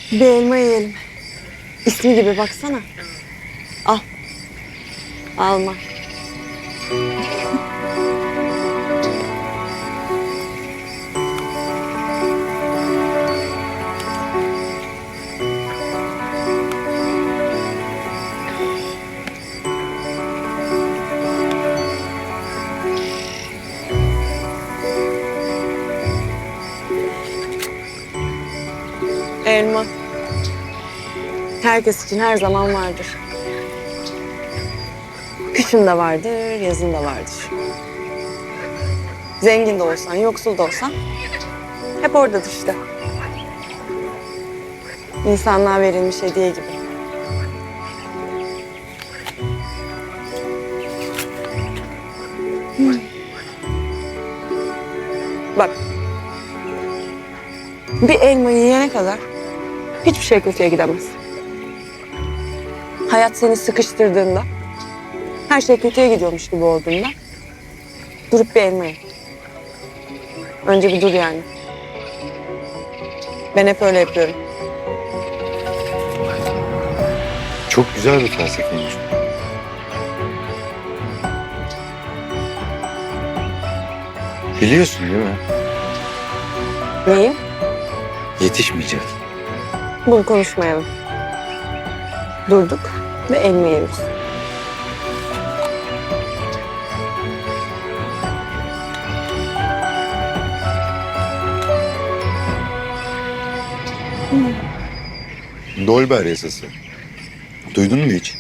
Bir elma yiyelim. İsmi gibi baksana. Al. Alma. Elma. Herkes için her zaman vardır. Kışın da vardır, yazın da vardır. Zengin de olsan, yoksul da olsan hep oradadır işte. İnsanlığa verilmiş hediye gibi. Bak. Bir elmayı yiyene kadar hiçbir şey kötüye gidemez. Hayat seni sıkıştırdığında, her şey kötüye gidiyormuş gibi olduğunda durup bir elma ye. Önce bir dur yani. Ben hep öyle yapıyorum. Çok güzel bir felsefeymiş. Biliyorsun değil mi? Neyim? Yetişmeyecek. Bunu konuşmayalım. Durduk ve elma yiyoruz. Dolber yasası. Duydun mu hiç?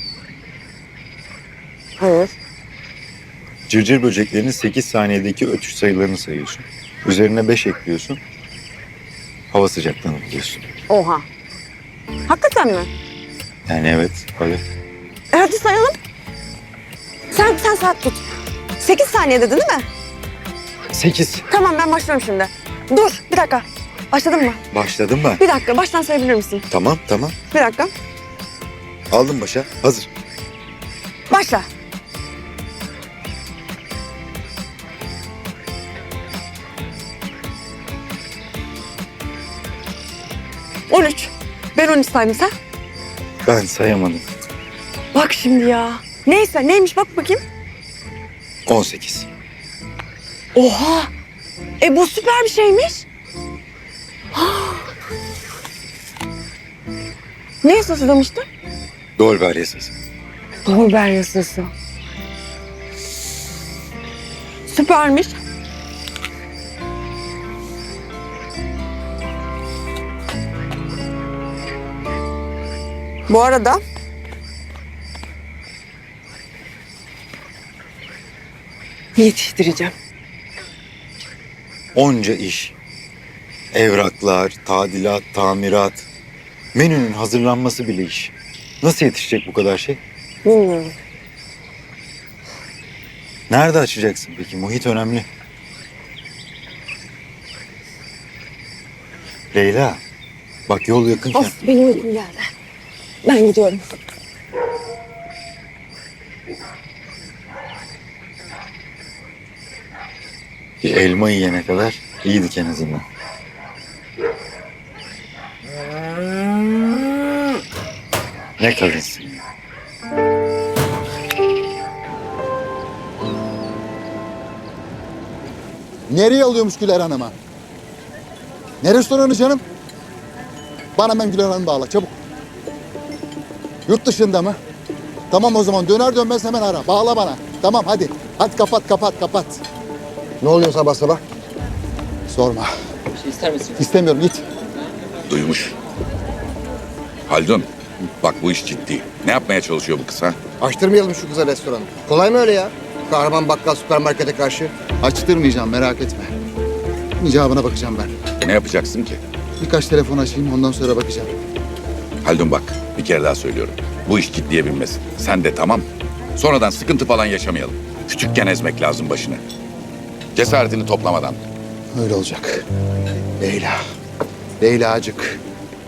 Hayır. Cırcır böceklerinin 8 saniyedeki ötüş sayılarını sayıyorsun. Üzerine 5 ekliyorsun. Hava sıcaklığını buluyorsun. Oha. Hakikaten mi? Yani evet, öyle. Hadi sayalım. Sen saat tut. 8 saniye dedin değil mi? 8. Tamam ben başlıyorum şimdi. Dur bir dakika. Başladın mı? Başladım ben. Bir dakika baştan sayabilir misin? Tamam. Bir dakika. Aldım başa. Hazır. Başla. On üç. Ben 13 saydım sen. Ben sayamadım. Bak şimdi ya. Neyse neymiş bak bakayım. 18. Oha. Bu süper bir şeymiş. Ne yasası demiştin? Dolber yasası. Dolber yasası. Süpermiş. Bu arada yetiştireceğim. Onca iş. Evraklar, tadilat, tamirat. Menünün hazırlanması bile iş. Nasıl yetişecek bu kadar şey? Bilmiyorum. Nerede açacaksın peki? Muhit önemli. Leyla, bak yol yakınken... Of benim uykum geldi. Ben gidiyorum. Bir elma yiyene kadar iyiydik en azından. Ne kadınsın ya. Nereye alıyormuş Güler Hanım'a? Ne restoranı canım? Bana hemen Güler Hanım bağla çabuk. Yurt dışında mı? Tamam o zaman döner dönmez hemen ara. Bağla bana. Tamam hadi. Hadi kapat. Ne oluyor sabah sabah? Sorma. Bir şey ister misin? İstemiyorum git. Duymuş. Haldun, bak bu iş ciddi. Ne yapmaya çalışıyor bu kız ha? Açtırmayalım şu kıza restoranı. Kolay mı öyle ya? Kahraman bakkal süpermarkete karşı. Açtırmayacağım merak etme. İcabına bakacağım ben. Ne yapacaksın ki? Birkaç telefon açayım ondan sonra bakacağım. Haldun bak, bir kere daha söylüyorum. Bu iş ciddiye binmesin. Sen de tamam. Sonradan sıkıntı falan yaşamayalım. Küçükken ezmek lazım başını. Cesaretini toplamadan. Öyle olacak. Leyla. Leylacık.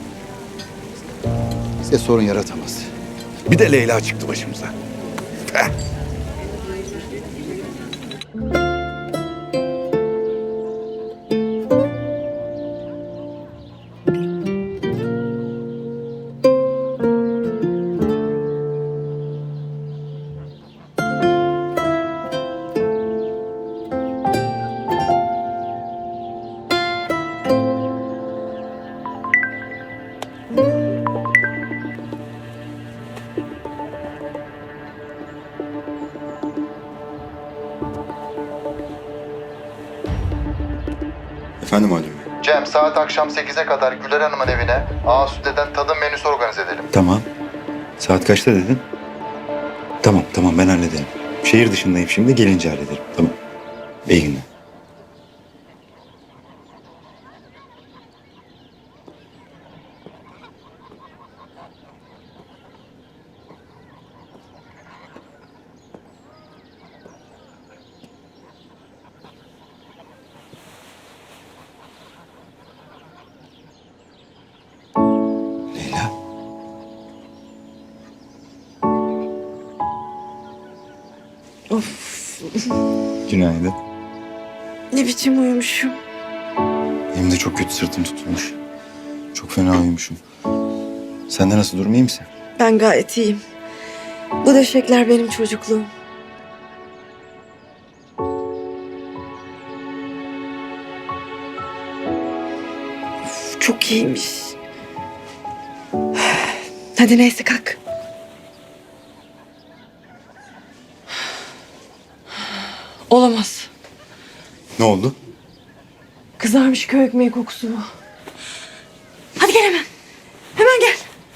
Bize sorun yaratamaz. Bir de Leyla çıktı başımıza. Heh. Efendim Halim Bey. Cem, saat akşam 8'e kadar Güler Hanım'ın evine Asude'den tadım menüsü organize edelim. Tamam. Saat kaçta dedin? Tamam ben hallederim. Şehir dışındayım şimdi, gelince hallederim. Tamam. İyi günler. Leyla. Günaydın. Ne biçim uyumuşum. Benim de çok kötü sırtım tutulmuş. Çok fena uyumuşum. Sende nasıl, durum iyi misin? Ben gayet iyiyim. Bu döşekler benim çocukluğum. Of, çok iyiymiş. Hadi neyse kalk. Olamaz. Ne oldu? Kızarmış köy ekmeği kokusu bu. Hadi gel hemen. Hemen gel.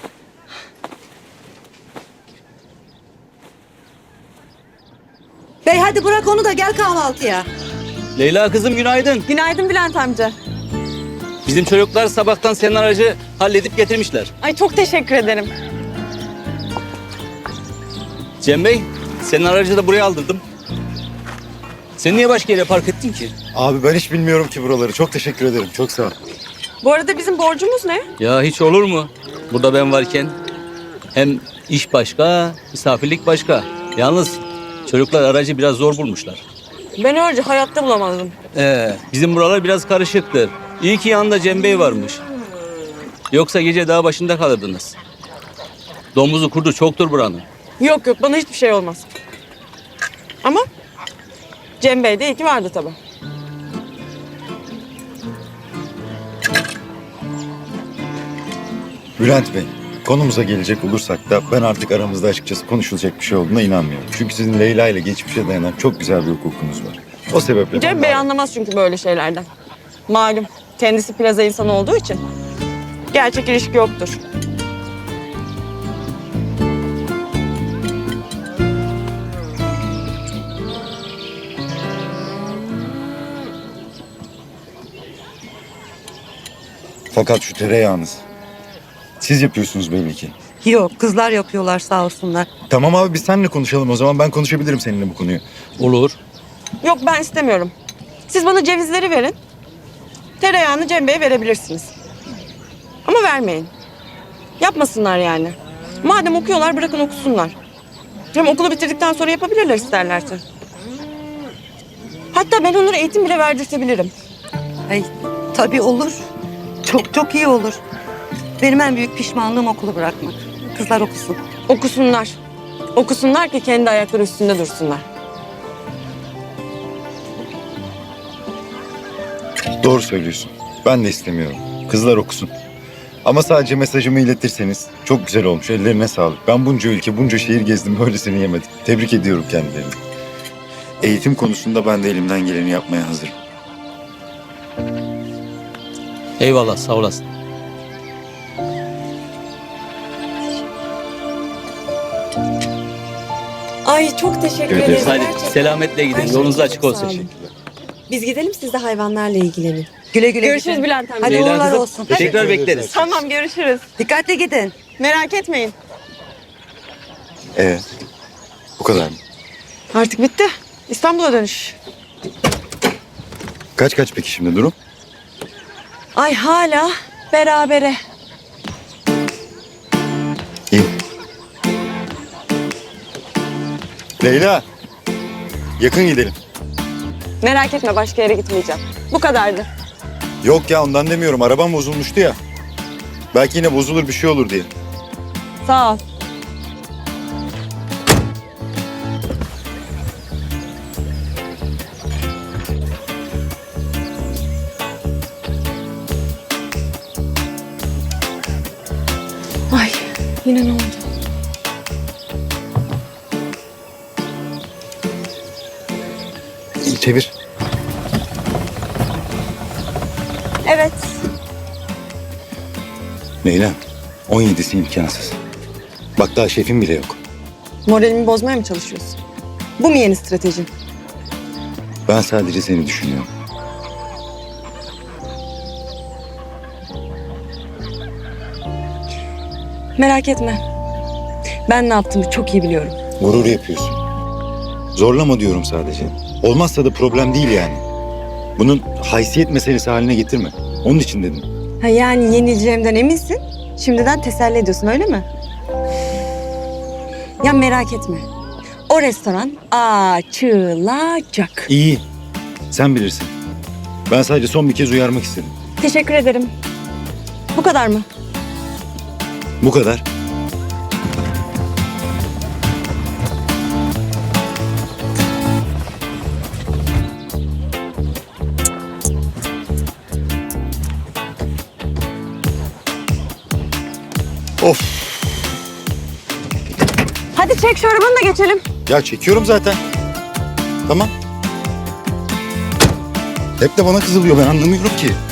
Bey hadi bırak onu da gel kahvaltıya. Leyla kızım günaydın. Günaydın Bülent amca. Bizim çocuklar sabahtan senin aracı halledip getirmişler. Ay çok teşekkür ederim. Cem Bey, senin aracı da buraya aldırdım. Sen niye başka yere park ettin ki? Abi ben hiç bilmiyorum ki buraları. Çok teşekkür ederim. Çok sağ ol. Bu arada bizim borcumuz ne? Ya hiç olur mu? Burada ben varken hem iş başka, misafirlik başka. Yalnız çocuklar aracı biraz zor bulmuşlar. Ben önce hayatta bulamazdım. Bizim buralar biraz karışıktır. İyi ki yanında Cem Bey varmış. Yoksa gece dağ başında kalırdınız. Domuzu kurdu çoktur buranın. Yok yok bana hiçbir şey olmaz. Ama Cem Bey de iyi ki vardı tabii. Bülent Bey, konumuza gelecek olursak da ben artık aramızda açıkçası konuşulacak bir şey olduğuna inanmıyorum. Çünkü sizin Leyla ile geçmişe dayanan çok güzel bir hukukunuz var. O sebeple... Cem ben Bey de- anlamaz çünkü böyle şeylerden. Malum kendisi plaza insanı olduğu için gerçek ilişki yoktur. Fakat şu tereyağınız. Siz yapıyorsunuz belli ki. Yok kızlar yapıyorlar sağ olsunlar. Tamam abi, biz seninle konuşalım o zaman. Ben konuşabilirim seninle bu konuyu. Olur. Yok ben istemiyorum. Siz bana cevizleri verin. Tereyağını Cem Bey'e verebilirsiniz. Ama vermeyin. Yapmasınlar yani. Madem okuyorlar bırakın okusunlar. Hem okulu bitirdikten sonra yapabilirler isterlerse. Hatta ben onlara eğitim bile verdirtebilirim. Ay tabii olur. Çok çok iyi olur. Benim en büyük pişmanlığım okulu bırakmak. Kızlar okusun. Okusunlar. Okusunlar ki kendi ayakları üstünde dursunlar. Doğru söylüyorsun. Ben de istemiyorum. Kızlar okusun. Ama sadece mesajımı iletirseniz çok güzel olmuş. Ellerine sağlık. Ben bunca ülke, bunca şehir gezdim. Böylesini yemedim. Tebrik ediyorum kendilerini. Eğitim konusunda ben de elimden geleni yapmaya hazırım. Eyvallah sağ olasın. Ay çok teşekkür Evet, ederiz. Hadi Gerçekten. selametle Her gidin. şey Yolunuz için açık çok olsun. sağ olun. Biz gidelim siz de hayvanlarla ilgilenin. Güle güle. Görüşürüz gidin. Bülent amca. Hadi Leyla uğurlar kızım, olsun. tekrar bekleriz. Tamam görüşürüz. Dikkatli gidin. Merak etmeyin. Bu kadar mı? Artık bitti. İstanbul'a dönüş. Kaç peki şimdi durum? Ay hala berabere. İyi. Leyla. Yakın gidelim. Merak etme başka yere gitmeyeceğim. Bu kadardı. Yok ya, ondan demiyorum. Arabam bozulmuştu ya. Belki yine bozulur, bir şey olur diye. Sağ ol. Ay yine ne oldu? Çevir. Evet. Leyla, 17'si imkansız. Bak daha şefim bile yok. Moralimi bozmaya mı çalışıyorsun? Bu mu yeni stratejin? Ben sadece seni düşünüyorum. Merak etme. Ben ne yaptığımı çok iyi biliyorum. Gurur yapıyorsun. Zorlama diyorum sadece. Olmazsa da problem değil yani. Bunun haysiyet meselesi haline getirme. Onun için dedim. Ha yani yenileceğimden eminsin. Şimdiden teselli ediyorsun öyle mi? Ya merak etme. O restoran açılacak. İyi. Sen bilirsin. Ben sadece son bir kez uyarmak istedim. Teşekkür ederim. Bu kadar mı? Bu kadar. Of. Hadi çek şu arabanı da geçelim. Ya çekiyorum zaten. Tamam. Hep de bana kızılıyor. Ben anlamıyorum ki.